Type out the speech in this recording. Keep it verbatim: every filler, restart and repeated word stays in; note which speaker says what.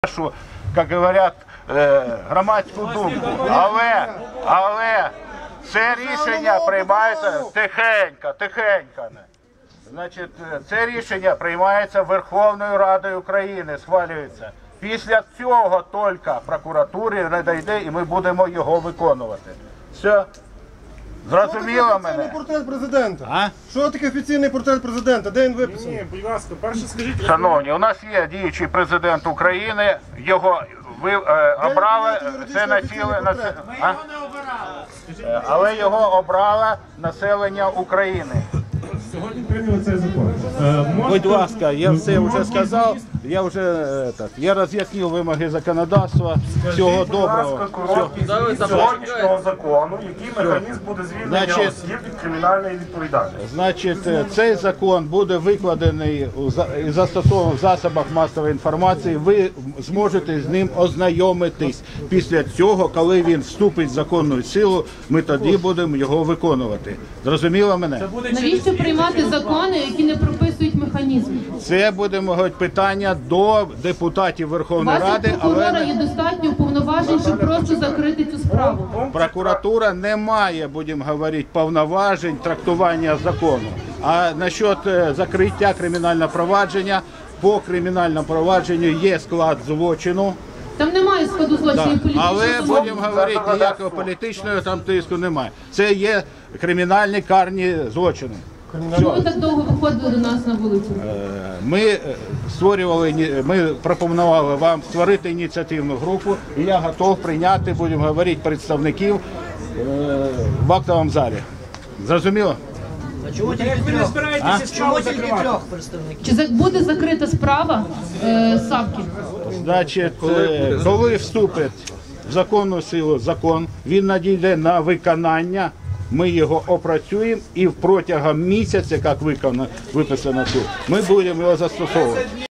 Speaker 1: нашу, як говорять, громадську думку. Але, але це рішення приймається тихенько, тихенько. Значить, це рішення приймається Верховною Радою України, схвалюється. Після цього тільки прокуратурі надійде і ми будемо його виконувати. Все. Зрозуміло мене?
Speaker 2: Що таке портрет президента?
Speaker 1: А?
Speaker 2: Що таке офіційний портрет президента? Де він виписаний?
Speaker 3: Ні, будь ласка, перше скажіть.
Speaker 1: Шановні, у нас є діючий президент України, його ви е, обрали, це націле, на це, а? Е, але його обрало населення України.
Speaker 3: Сьогодні прийняли цей закон. Е, можете-
Speaker 1: Будь ласка, я все вже сказав, я вже е, так, я роз'яснив вимоги законодавства. Всього доброго.
Speaker 3: Сьогоднішнього закону, який механізм буде звільнення
Speaker 1: Значить-
Speaker 3: осіб від кримінальної відповідальності.
Speaker 1: Значить, е, цей закон буде викладений у за- і застосований в засобах масової інформації. Ви зможете з ним ознайомитись. Після цього, коли він вступить в законну силу, ми тоді будемо його виконувати. Зрозуміло мене?
Speaker 4: Навіщо приймати закони, які не прописують механізм?
Speaker 1: Це буде мабуть, питання до депутатів
Speaker 4: У
Speaker 1: Верховної
Speaker 4: вас
Speaker 1: Ради,
Speaker 4: як прокурора
Speaker 1: але
Speaker 4: є достатньо повноважень, щоб просто закрити цю справу.
Speaker 1: прокуратура не має, будемо говорити, повноважень трактування закону. А насчет е, закриття кримінального провадження, по кримінальному провадженню є склад злочину.
Speaker 4: Там немає складу злочинів політичного.
Speaker 1: Але
Speaker 4: тому-
Speaker 1: будемо говорити, ніякого політичного там тиску немає. Це є кримінальні карні злочини.
Speaker 4: Чому ви так довго виходили до нас на вулицю?
Speaker 1: Ми е, створювали, іні- ми пропонували вам створити ініціативну групу, і я готов прийняти, будемо говорити, представників е, в актовому залі. Зрозуміло?
Speaker 5: Чому тільки трьох? Чому тільки трьох представників?
Speaker 4: Чи за- буде закрита справа е, Савки?
Speaker 1: Значить, е, коли вступить в законну силу закон, він надійде на виконання, ми його опрацюємо і протягом місяця, як виконано, виписано тут, ми будемо його застосовувати.